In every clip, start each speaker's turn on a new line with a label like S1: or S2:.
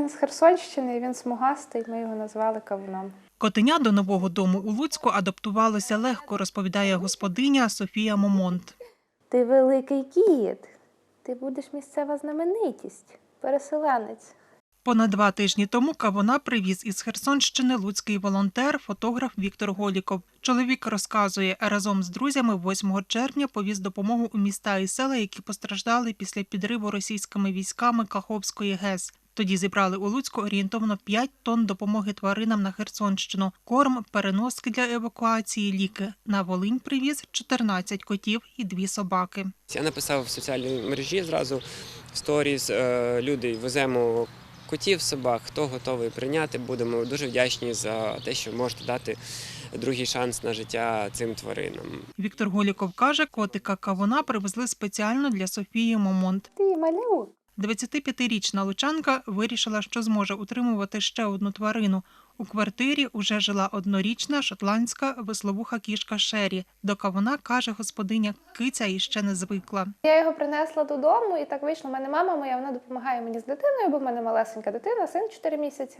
S1: Він з Херсонщини, він смугастий, ми його назвали кавуном.
S2: Котеня до нового дому у Луцьку адаптувалося легко, розповідає господиня Софія Момонт.
S1: Ти великий кіт, ти будеш місцева знаменитість, переселенець.
S2: Понад 2 тижні тому кавуна привіз із Херсонщини луцький волонтер, фотограф Віктор Голіков. Чоловік розказує, разом з друзями 8 червня повіз допомогу у міста і села, які постраждали після підриву російськими військами Каховської ГЕС. Тоді зібрали у Луцьку орієнтовно 5 тонн допомоги тваринам на Херсонщину. Корм, переноски для евакуації, ліки. На Волинь привіз 14 котів і 2 собаки.
S3: Я написав в соціальній мережі зразу в сторіс, люди, веземо котів, собак, хто готовий прийняти, будемо дуже вдячні за те, що можете дати другий шанс на життя цим тваринам.
S2: Віктор Голіков каже, котика кавуна привезли спеціально для Софії Момонт.
S1: Ти малюк.
S2: 25-річна лучанка вирішила, що зможе утримувати ще одну тварину. У квартирі уже жила однорічна шотландська висловуха кішка Шері. До кавуна, каже господиня, киця іще не звикла.
S1: Я його принесла додому, і так вийшло. У мене мама моя, вона допомагає мені з дитиною, бо в мене малесенька дитина, син 4 місяці.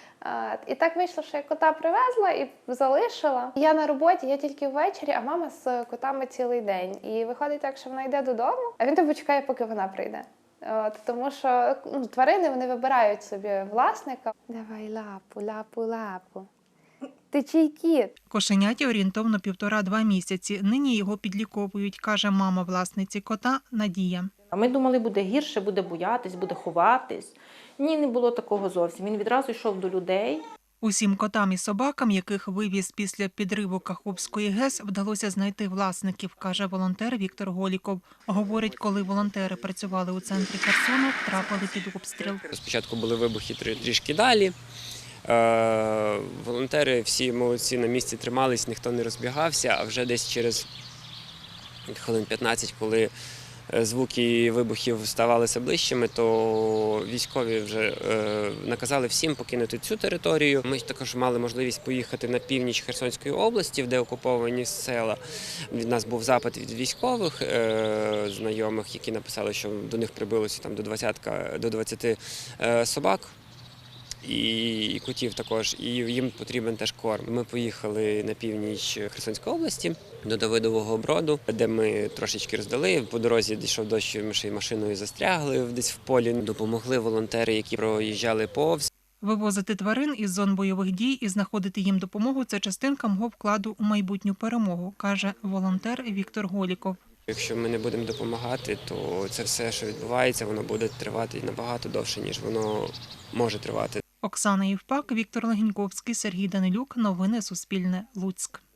S1: І так вийшло, що я кота привезла і залишила. Я на роботі, я тільки ввечері, а мама з котами цілий день. І виходить так, що вона йде додому, а він тобі чекає, поки вона прийде. Тому що тварини, вони вибирають собі власника. Давай лапу, лапу, лапу. Ти чий кіт?
S2: Кошеняті орієнтовно 1,5-2 місяці. Нині його підліковують, каже мама власниці кота Надія.
S4: А ми думали, буде гірше, буде боятись, буде ховатись. Ні, не було такого зовсім. Він відразу йшов до людей.
S2: Усім котам і собакам, яких вивіз після підриву Каховської ГЕС, вдалося знайти власників, каже волонтер Віктор Голіков. Говорить, коли волонтери працювали у центрі Херсону, трапили під обстріл.
S3: Спочатку були вибухи трішки далі. Волонтери всі молодці на місці тримались, ніхто не розбігався, а вже десь через хвилин 15, коли звуки вибухів ставалися ближчими, то військові вже наказали всім покинути цю територію. Ми також мали можливість поїхати на північ Херсонської області, де окуповані села. Від нас був запит від військових знайомих, які написали, що до них прибилося там до 20 собак. І котів також, і їм потрібен теж корм. Ми поїхали на північ Херсонської області, до Давидового Броду, де ми трошечки роздали. По дорозі дійшов дощ, ми ще й машиною застрягли десь в полі. Допомогли волонтери, які проїжджали повз.
S2: Вивозити тварин із зон бойових дій і знаходити їм допомогу – це частинка мого вкладу у майбутню перемогу, каже волонтер Віктор Голіков.
S3: Якщо ми не будемо допомагати, то це все, що відбувається, воно буде тривати набагато довше, ніж воно може тривати.
S2: Оксана Євпак, Віктор Легеньковський, Сергій Данилюк. Новини Суспільне. Луцьк.